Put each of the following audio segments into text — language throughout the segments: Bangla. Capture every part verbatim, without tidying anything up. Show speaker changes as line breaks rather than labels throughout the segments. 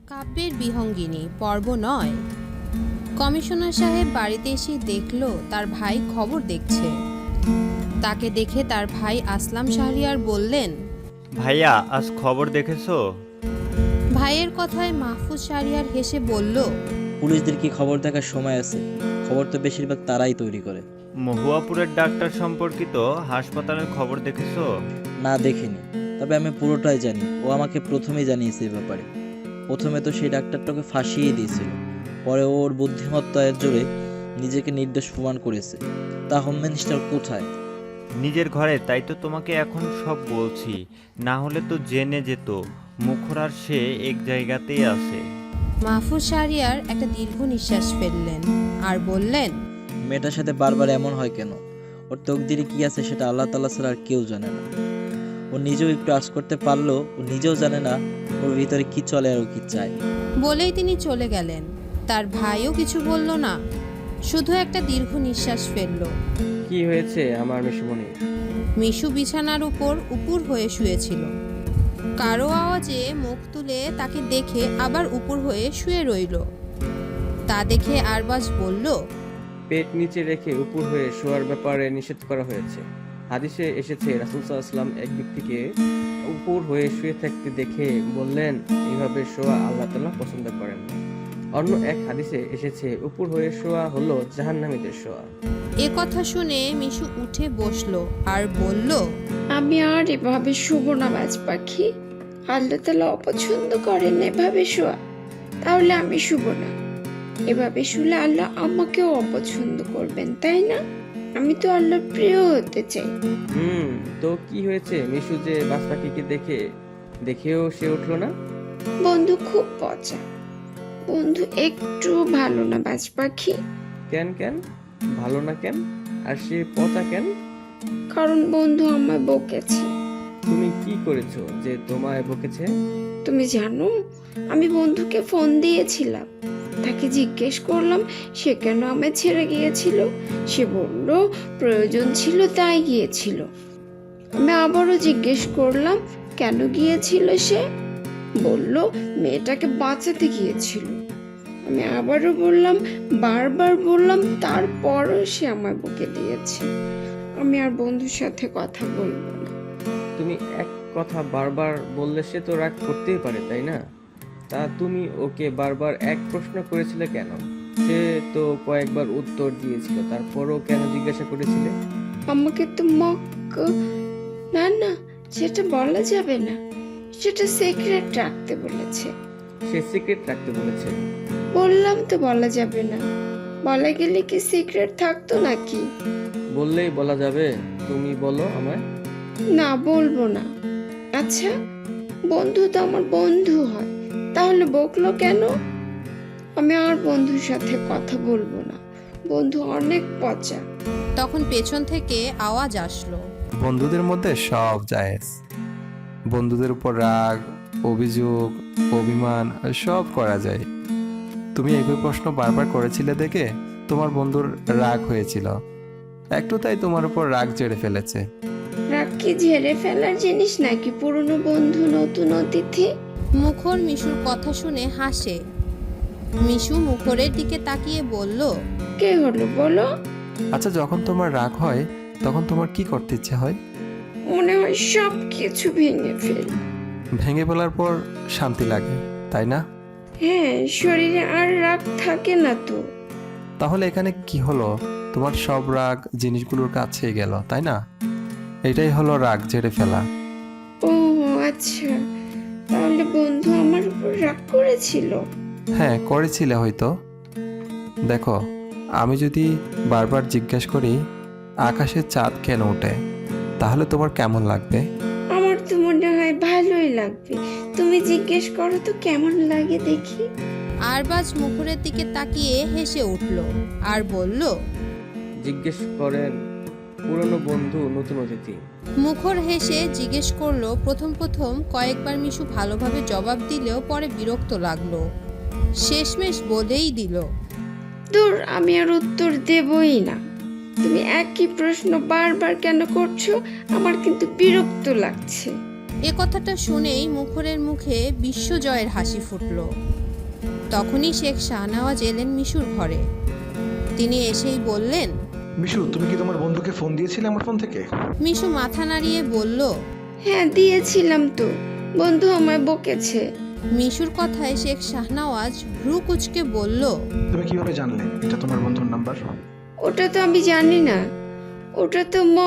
কাব্যের বিহঙ্গিনী পর্ব নয়। কমিশনার সাহেব বাড়িতে এসে দেখলো তার ভাই খবর দেখছে। তাকে দেখে তার ভাই আসলাম শাহরিয়ার বললেন,
ভাইয়া আজ খবর দেখেছো?
ভাইয়ের কথায় মাহফুজ শাহরিয়ার হেসে বলল,
পুলিশদের কি খবর দেখার সময় আছে? খবর তো বেশিরভাগ তারাই তৈরি করে।
মহুয়াপুরের ডাক্তার সম্পর্কিত হাসপাতালের খবর দেখেছো?
না, দেখিনি, তবে আমি পুরোটাই জানি। ও আমাকে প্রথমেই জানিয়েছে এ ব্যাপারে। প্রথমে তো সেই ডাক্তারটাকে ফাঁসিয়ে দিয়েছিল, পরে ওর বুদ্ধিমত্তার জোরে নিজেকে নির্দোষ প্রমাণ করেছে। তা হোম মিনিস্টার কোথায়?
নিজের ঘরে, তাই তো তোমাকে এখন সব বলছি, না হলে তো জেনে যেত। মুখর আর সে এক জায়গাতেই আছে।
মাহফুজ শাহরিয়ার একটা দীর্ঘ নিঃশ্বাস ফেললেন আর বললেন,
মেয়েটার সাথে বারবার এমন হয় কেন? ওর তকদিরে কি আছে সেটা আল্লাহ তাআলা ছাড়া আর কেউ জানে না। ও নিজেও একটু আশ করতে পারলো, ও নিজেও জানে না ওর ভিতরে কি চলে আর ও কি চায়।
বলেই তিনি চলে গেলেন। তার ভাইও কিছু বলল না, শুধু একটা দীর্ঘ নিঃশ্বাস ফেলল।
কি হয়েছে আমার মিশুমণি?
মিশু বিছানার উপর উপুর হয়ে শুয়েছিল। কারো আওয়াজে মুখ তুলে তাকে দেখে আবার উপুর হয়ে শুয়ে রইল। তা দেখে আরবাজ বলল,
পেট নিচে রেখে উপর হয়ে শোয়ার ব্যাপারে নিষেধ করা হয়েছে। হাদিসে এসেছে রাসূল সাল্লাল্লাহু আলাইহি ওয়াসাল্লাম এক ব্যক্তিকে উপর হয়ে শুয়ে থাকতে দেখে বললেন, এইভাবে শোয়া আল্লাহ তাআলা পছন্দ করেন না। অন্য এক হাদিসে এসেছে উপর হয়ে শোয়া হলো জাহান্নামীদের শোয়া।
এ কথা শুনে মিশু উঠে বসলো আর বলল,
আমি আর এভাবে শুভ না বাজ পাখি। আল্লাহ তাআলা অপছন্দ করেন এভাবে শোয়া, তাহলে আমি শুভ না। এভাবে শুলে আল্লাহ আমাকেও অপছন্দ করবেন, তাই না? আমি তো আল্লাহর প্রিয় হতে চাই।
হুম তো কি হয়েছে? মিশু যে বাজ পাখিকে দেখে দেখেও সে উঠলো না।
বন্ধু খুব পচা, বন্ধু একটু ভালো না বাজ পাখি।
কেন কেন ভালো না কেন? আর সে পচা কেন?
কারণ বন্ধু আমায় বকেছে।
তুমি কি করেছো যে তোমায় বকেছে?
তুমি জানো, আমি বন্ধুকে ফোন দিয়েছিলাম, তাকে জিজ্ঞেস করলাম সে কেন আমায় ছেড়ে গিয়েছিল। সে বলল প্রয়োজন ছিল তাই গিয়েছিল। আমি আবারও জিজ্ঞেস করলাম কেন গিয়েছিল সে। বলল মেয়েটাকে বাঁচাতে গিয়েছিল। আমি আবারও বললাম, বারবার বললাম, তারপরও সে আমায় বকে দিয়েছে। আমি আর বন্ধুর সাথে কথা বলবো না।
তুমি এক কথা বারবার বললে সে তো রাগ করতেই পারে, তাই না? তা তুমি ওকে বারবার এক প্রশ্ন করেছিলে কেন? সে তো কয়েকবার উত্তর দিয়েছিল, তারপরও কেন জিজ্ঞাসা করেছিলে?
আমাকে তো মক না না, সেটা বলা যাবে না। সেটা সিক্রেট রাখতে বলেছে।
সে সিক্রেট রাখতে বলেছে?
বললাম তো বলা যাবে না। বলা গেলে কি সিক্রেট থাকতো নাকি?
বললেই বলা যাবে। তুমি বলো আমায়।
না, বলবো না। আচ্ছা, বন্ধু তো আমার বন্ধু হয়, তাহলে বকলো কেন? আমি আর বন্ধুর সাথে কথা বলবো না। বন্ধু অনেক পচা।
তখন পেছন থেকে আওয়াজ আসলো,
বন্ধুদের মধ্যে সব জায়েজ। বন্ধুদের উপর রাগ, অভিযোগ, অভিমান সব করা যায়। তুমি একই প্রশ্ন বারবার করেছিলে দেখে তোমার বন্ধুর রাগ হয়েছিল, একটু তাই তোমার উপর রাগ চেড়ে ফেলেছে।
রাগ কি ঝেড়ে ফেলার জিনিস নাকি? পুরনো বন্ধু নতুন অতিথি।
মুখর মিশুর কথা শুনে হাসে। মিশু মুখরের দিকে তাকিয়ে বলল,
কে হলো বলো?
আচ্ছা, যখন তোমার রাগ হয় তখন তোমার কি করতে ইচ্ছে হয়?
মনে হয় সব কিছু ভেঙে ফেল।
ভেঙে ফেলার পর শান্তি লাগে, তাই না?
হ্যাঁ, শরীরে আর রাগ থাকে না তো।
তাহলে এখানে কি হলো? তোমার সব রাগ জিনিসগুলোর কাছেই গেল, তাই না? এটাই হলো রাগ ঝেড়ে ফেলা।
ও আচ্ছা, তাহলে বন্ধু আমার উপর রাগ করেছিল।
হ্যাঁ, করেছিলে হয়তো। দেখো, আমি যদি বারবার জিজ্ঞেস করি আকাশে চাঁদ কেন ওঠে, তাহলে তোমার কেমন লাগবে?
আমার তো মনে হয় ভালোই লাগবে। তুমি জিজ্ঞেস করো তো কেমন লাগে দেখি।
আরবাজ মুখরের দিকে তাকিয়ে হেসে উঠল আর বলল,
জিজ্ঞেস করেন পুরনো বন্ধু নতুন অতিথি।
মুখর হেসে জিজ্ঞেস করলো। প্রথম প্রথম কয়েকবার মিশু ভালোভাবে জবাব দিলেও পরে বিরক্ত লাগলো। শেষমেশ বলেই দিল,
দূর, আমি আর উত্তর দেবই না। তুমি একই প্রশ্ন বারবার কেন করছো? আমার কিন্তু বিরক্ত লাগছে।
এ কথাটা শুনেই মুখরের মুখে বিশ্বজয়ের হাসি ফুটল। তখনই শেখ শাহনওয়াজ এলেন মিশুর ঘরে। তিনি এসেই বললেন,
মিশু, তুমি কি তোমার বন্ধুকে ফোন দিয়েছিলে আমার ফোন থেকে?
মিশু মাথা নাড়িয়ে বলল,
হ্যাঁ দিয়েছিলাম তো, বন্ধু আমায় বকেছে।
মিশুর কথায় শেখ শাহনওয়াজ ভ্রু কুঁচকে বলল,
তুমি কিভাবে জানলে এটা তোমার বন্ধুর নাম্বার?
ওটা তো আমি জানি না, ওটা তো ম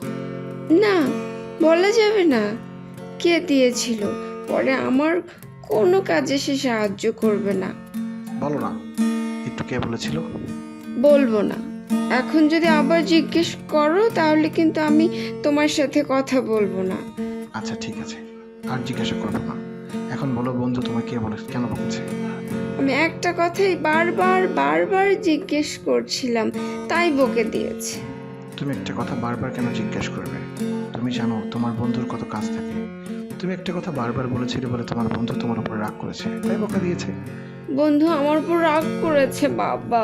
না বলা যাবে না কে দিয়েছিল। পরে আমার কোনো কাজে সে সাহায্য করবে না।
বলো না একটু, কে বলেছিল?
বলবো না। এখন যদি আবার জিজ্ঞেস করো তাহলে কিন্তু আমি তোমার সাথে কথা বলবো না।
আচ্ছা ঠিক আছে, আর জিজ্ঞাসা করবো না। এখন বলো বন্ধু তোমার কে বলে, কেন বলেছে?
আমি একটা কথাই বারবার বারবার জিজ্ঞেস করছিলাম, তাই বকে দিয়েছে।
তুমি একটা কথা বারবার কেন জিজ্ঞেস করবে? তুমি জানো তোমার বন্ধুর কত কাজ থাকে। তুমি একটা কথা বারবার বলেছিলে বলে তোমার বন্ধু তোমার উপর রাগ করেছে, তাই বকা দিয়েছে।
বন্ধু আমার উপর রাগ করেছে বাবা,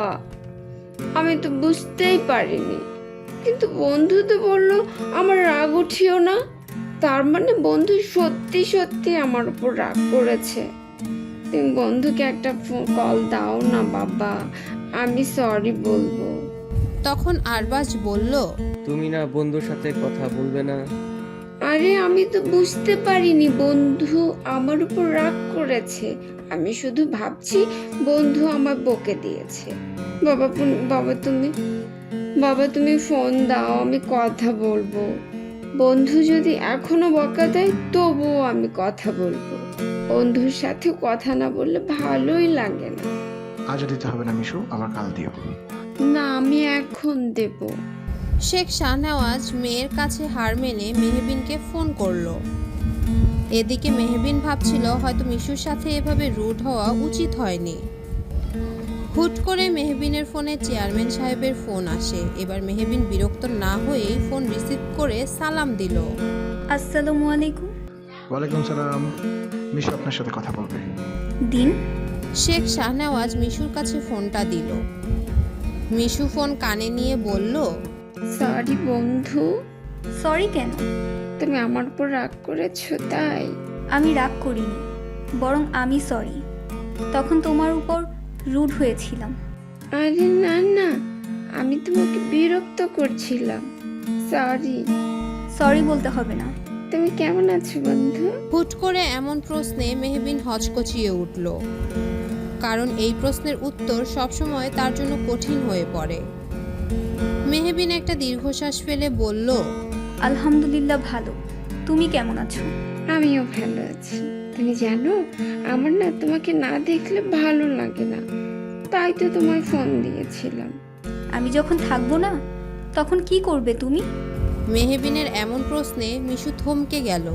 আমি তো বুঝতেই পারিনি। কিন্তু বন্ধু তো বললো আমার রাগ উঠিও না, তার মানে বন্ধু সত্যি সত্যি আমার উপর রাগ করেছে। তুমি বন্ধুকে একটা কল দাও না বাবা, আমি সরি বলবো।
তখন আরবাজ বলল,
তুমি না বন্ধুর সাথে কথা বলবে না?
আরে আমি তো বুঝতে পারিনি বন্ধু আমার উপর রাগ করেছে, আমি শুধু ভাবছি বন্ধু আমার বকে দিয়েছে। বাবা পুন- বাবা তুমি বাবা তুমি ফোন দাও, আমি কথা বলবো। বন্ধু যদি এখনো বকা দেয় তবুও আমি কথা বলবো। বন্ধুর সাথে কথা না বললে ভালোই লাগে না।
আজ দিতে হবে না মিশু, আবার কাল দিও।
না আমি এখন দেব।
শেখ শাহনওয়াজ মেয়ের কাছে হার মেনে মেহবিনকে ফোন করলো। এদিকে মেহবিন ভাবছিল হয়তো মিশুর সাথে এভাবে রুড হওয়া উচিত হয়নি। হুট করে মেহবিনের ফোনে চেয়ারম্যান সাহেবের ফোন আসে। এবার মেহবিন বিরক্ত না হয়েই ফোন রিসিভ করে সালাম দিল।
আসসালামু আলাইকুম।
ওয়ালাইকুম সালাম। মিশু আপনার সাথে কথা বলবে।
দিন।
শেখ শাহনওয়াজ মিশুর কাছে ফোনটা দিল। মিশু ফোন কানে নিয়ে বলল,
সরি বন্ধু,
সরি কেন?
তুমি আমার উপর রাগ করেছো তাই।
আমি রাগ করিনি, বরং আমি সরি। তখন তোমার উপর রুড হয়েছিলাম।
আরে না না, আমি তোমাকে বিরক্ত করছিলাম। সরি।
সরি বলতে হবে না।
তুমি কেমন আছো বন্ধু?
হুট করে এমন প্রশ্নে মেহবিন হচকচিয়ে উঠল, কারণ এই প্রশ্নের উত্তর সবসময় তার জন্য কঠিন হয়ে পড়ে। মেহবিন একটা দীর্ঘশ্বাস ফেলে বলল,
আলহামদুলিল্লাহ ভালো। তুমি কেমন আছো?
আমিও ভালো আছি। তুমি জানো আমার না তোমাকে না দেখলে ভালো লাগে না, তাই তো তোমায় ফোন দিয়েছিলাম।
আমি যখন থাকবো না তখন কি করবে তুমি?
মেহবিনের এমন প্রশ্নে মিশু থমকে গেল।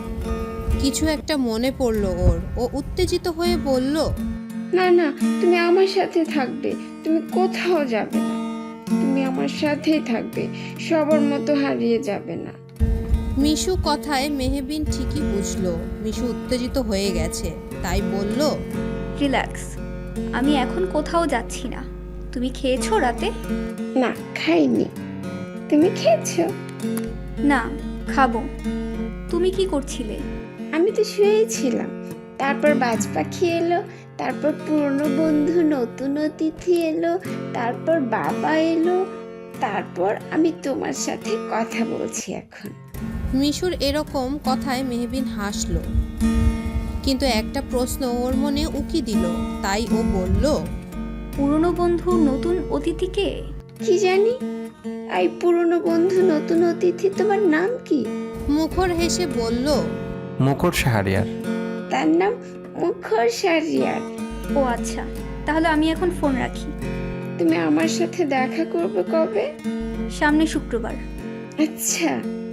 কিছু একটা মনে পড়ল ওর। ও উত্তেজিত হয়ে বলল,
না না, তুমি আমার সাথে থাকবে, তুমি কোথাও যাবে না, তুমি আমার সাথেই থাকবে, সবার মতো হারিয়ে যাবে না।
মিশু কথায় মেহবিন ঠিকই বুঝলো মিশু উত্তেজিত হয়ে গেছে, তাই বলল,
রিল্যাক্স, আমি এখন কোথাও যাচ্ছি না। তুমি খেয়েছো রাতে?
না খাইনি, তুমি খেয়েছো?
না, খাবো। তুমি কি করছিলে?
আমি তো শুয়েছিলাম, তারপর বাজ পাখি এলো, তারপর পুরনো বন্ধু নতুন অতিথি এলো, তারপর বাবা এলো, তারপর আমি তোমার সাথে কথা বলছি এখন।
মিশুর এরকম কথায় মেহবিন হাসলো, কিন্তু একটা প্রশ্ন ওর মনে উকি দিল, তাই ও বলল,
পুরনো বন্ধু নতুন অতিথিকে?
কি জানি, এই পুরনো বন্ধু নতুন অতিথি তোমার নাম কি?
মুখর হেসে বলল,
মুখর শাহরিয়ার।
তার নাম মুখর শাহরিয়ার।
ও আচ্ছা, তাহলে আমি এখন ফোন রাখি।
তুমি আমার সাথে দেখা করবে কবে?
সামনে শুক্রবার।
আচ্ছা,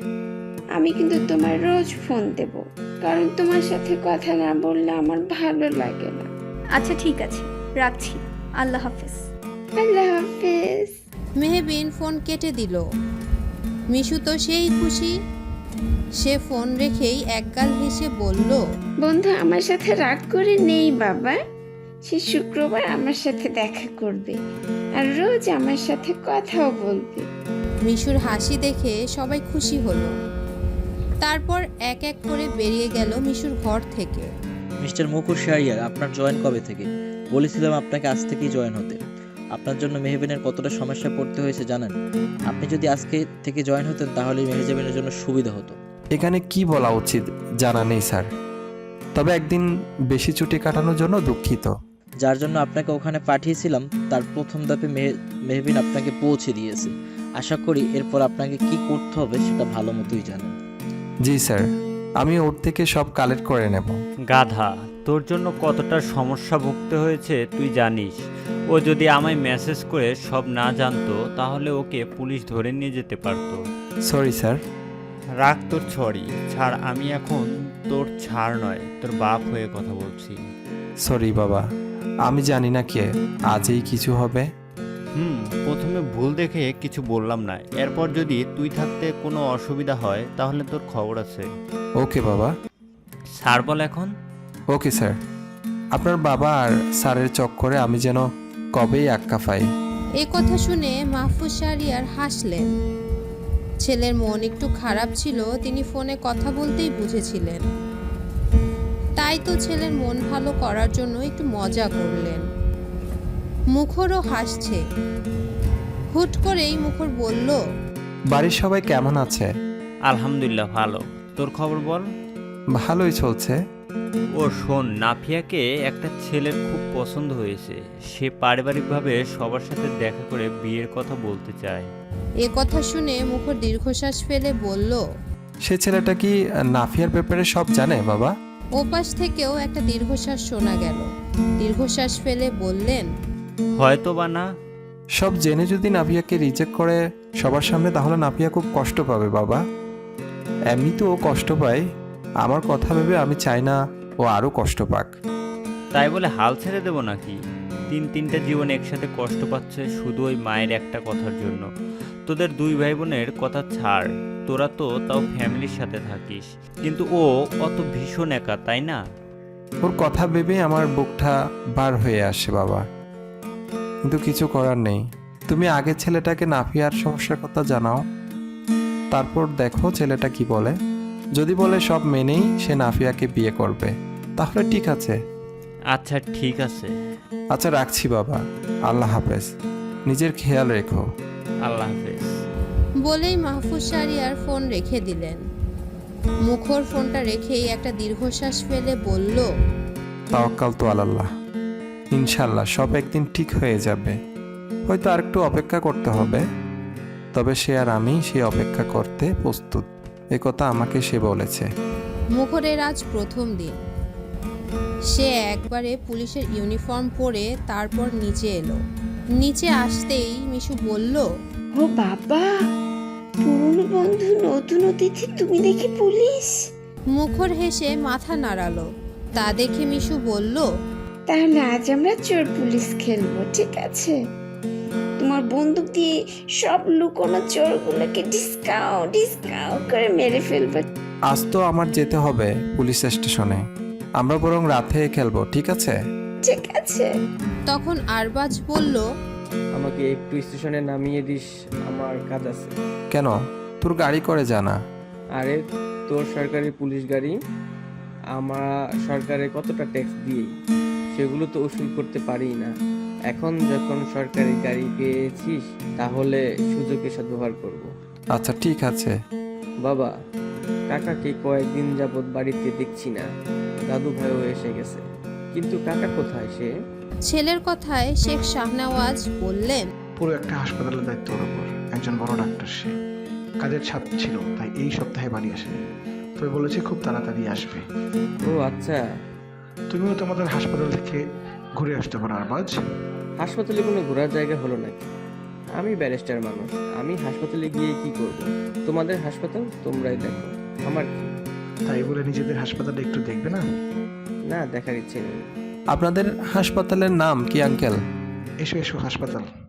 আমি কিন্তু তোমার রোজ ফোন দেব, কারণ তোমার সাথে কথা না বললে আমার ভালো লাগে না।
আচ্ছা ঠিক আছে, রাখছি। আল্লাহ হাফেজ।
আল্লাহ হাফেজ।
মেহবিন ফোন কেটে দিল। মিশু তো সেই খুশি, সে ফোন রেখেই একগাল হেসে বলল,
বন্ধু আমার সাথে রাগ করে নেই বাবা, সে শুক্রবার আমার সাথে দেখা করবে আর রোজ আমার সাথে কথাও বলবে।
মিশুর হাসি দেখে সবাই খুশি হলো। তারপর এক এক করে বেরিয়ে গেল মিশুর ঘর থেকে।
মিস্টার মুখর শাহরিয়ার, আপনার জয়েন কবে থেকে? বলেছিলাম আপনাকে আজ থেকেই জয়েন হতে। আপনার জন্য মেহবিনের কতটা সমস্যায় পড়তে হয়েছে জানেন? আপনি যদি আজকে থেকে জয়েন হতেন তাহলে মেহজাবিনের জন্য সুবিধা হতো।
এখানে কি বলা উচিত জানা নেই স্যার, তবে একদিন বেশি ছুটি কাটানোর জন্য দুঃখিত।
যার জন্য আপনাকে ওখানে পাঠিয়েছিলাম তার প্রথম ধাপে মেহ- মেহবিন আপনাকে পৌঁছে দিয়েছে। আশা করি এরপর আপনাকে কি করতে হবে সেটা ভালো মতোই জানেন।
জি স্যার, আমি ওর থেকে সব কালেক্ট করে নেব।
গাধা, তোর জন্য কতটা সমস্যা ভুগতে হয়েছে তুই জানিস। ও যদি আমায় মেসেজ করে সব না জানতো তাহলে ওকে পুলিশ ধরে নিয়ে যেতে পারতো।
Sorry sir.
রাগ তোর ছড়ি ছাড়, আমি এখন তোর ছাড় নয় তোর বাপ হয়ে কথা বলছি।
সরি বাবা, আমি জানি না কে আজই কিছু হবে।
হুম প্রথমে ভুল দেখে কিছু বললাম না, এরপর যদি তুই থাকতে কোনো অসুবিধা হয় তাহলে তোর খবর আছে।
ওকে বাবা।
স্যার বল এখন।
Okay sir. আপনার বাবা আর স্যারের চক্করে আমি যেন কবেই আক্কা পাই।
এ কথা শুনে মাহফুজ শাহরিয়ার হাসলেন। ছেলের মন একটু খারাপ ছিল, তিনি ফোনে কথা বলতেই বুঝেছিলেন। তাই তো ছেলের মন ভালো করার জন্য একটু মজা করলেন। মুখরও হাসছে। হুট করেই মুখর বলল,
বাড়ির সবাই কেমন আছে?
আলহামদুলিল্লাহ ভালো, তোর খবর বল।
ভালোই চলছে।
ও শোন, নাফিয়াকে একটা ছেলের খুব পছন্দ হয়েছে, সে পারিবারিকভাবে সবার সাথে দেখা করে বিয়ের কথা বলতে চায়।
এ কথা শুনে মুখর দীর্ঘশ্বাস ফেলে বলল,
সে ছেলেটা কি নাফিয়ার ব্যাপারে সব জানে বাবা?
ওপাশ থেকেও একটা দীর্ঘশ্বাস শোনা গেল। দীর্ঘশ্বাস ফেলে বললেন,
হয়তো বা না।
সব জেনে যদি নাফিয়াকে রিজেক্ট করে সবার সামনে তাহলে নাফিয়া খুব কষ্ট পাবে বাবা। এমনি তো ও কষ্ট পায়, আমার কথা ভেবে আমি চাই না ও আরও কষ্ট পাক।
তাই বলে হাল ছেড়ে দেবো নাকি? তিন তিনটা জীবন একসাথে কষ্ট পাচ্ছে শুধু ওই মায়ের একটা কথার জন্য। তোদের দুই ভাই বোনের কথা ছাড়, তোরা তো তাও ফ্যামিলির সাথে থাকিস, কিন্তু ও অত ভীষণ একা, তাই না?
ওর কথা ভেবে আমার বুকটা বার হয়ে আসে বাবা, কিন্তু কিছু করার নেই। তুমি আগে ছেলেটাকে নাফিয়ার সমস্যার কথা জানাও, তারপর দেখো ছেলেটা কি বলে। যদি বলে সব মেনেই সে নাফিয়াকে বিয়ে করবে তাহলে ঠিক আছে।
আচ্ছা ঠিক আছে।
আচ্ছা রাখছি বাবা, আল্লাহ হাফেজ, নিজের খেয়াল রেখো।
আল্লাহ হাফেজ।
বলেই মাহফুজ শাহরিয়ার ফোন রেখে দিলেন। মুখর ফোনটা রেখেই একটা দীর্ঘশ্বাস ফেলে বলল,
তাওয়াক্কাল তো আল্লাহ, ইনশাল্লাহ সব একদিন ঠিক হয়ে যাবে। হয়তো আর একটু অপেক্ষা করতে হবে, তবে সে আর আমি সেই অপেক্ষা করতে প্রস্তুত, এ কথা আমাকে সে বলেছে।
মুখরের আজ প্রথম দিন। সে একবারে পুলিশের ইউনিফর্ম পরে তারপর নিচে এলো। নিচে আসতেই মিশু বলল,
ও বাবা, পুরনো বন্ধু নতুন অতিথি, তুমি দেখি পুলিশ।
মুখর হেসে মাথা নাড়ালো। তা দেখে মিশু বলল,
তাহলে আজ আমরা চোর পুলিশ খেলবো, ঠিক আছে? তোমার বন্দুক দিয়ে সব লুকোনো চোরগুলোকে ডিসকাউ ডিসকাউ করে মেরে ফেলবো।
আজ তো আমার যেতে হবে পুলিশ স্টেশনে, আমরা বরং রাতে খেলবো, ঠিক আছে?
ঠিক আছে।
তখন আরবাজ বলল,
আমাকে একটু স্টেশনে নামিয়ে দিস, আমার কাজ আছে।
কেন, তোর গাড়ি করে জানা?
আরে তোর সরকারি পুলিশ গাড়ি, আমরা সরকারে কতটা ট্যাক্স দিই, সেগুলো তো উসুল করতে পারি না। এখন যখন সরকারি গাড়ি পেয়েছিস তাহলে সুযোগে সদ্ব্যবহার করব।
আচ্ছা ঠিক আছে।
বাবা, কাকাকে কয়েকদিন যাবৎ বাড়িতে দেখছি না, দাদু ভাইও এসে গেছে, কিন্তু কাকা কোথায় সে?
ছেলের কথায় শেখ শাহনওয়াজ বললেন,
পুরো একটা হাসপাতালের দায়িত্ব ওর উপর, একজন বড় ডাক্তার সে। কাজের ছাপ ছিল তাই এই সপ্তাহে বাড়ি আসেনি, তবে বলেছে খুব তাড়াতাড়ি আসবে।
ও আচ্ছা।
তুমিও তোমাদের হাসপাতাল থেকে ঘুরে আসতে পারো আরবাজ।
হাসপাতালে কোনো ঘোরার জায়গা হলো নাকি? আমি ব্যারিস্টার মানুষ, আমি হাসপাতালে গিয়ে কি করব? তোমাদের হাসপাতাল তোমরাই দেখো, আমার কি?
তাই বলে নিজেদের হাসপাতালে একটু দেখবে না?
না, দেখার ইচ্ছে নেই।
আপনাদের হাসপাতালের নাম কি আঙ্কেল?
এসো এসো হাসপাতাল।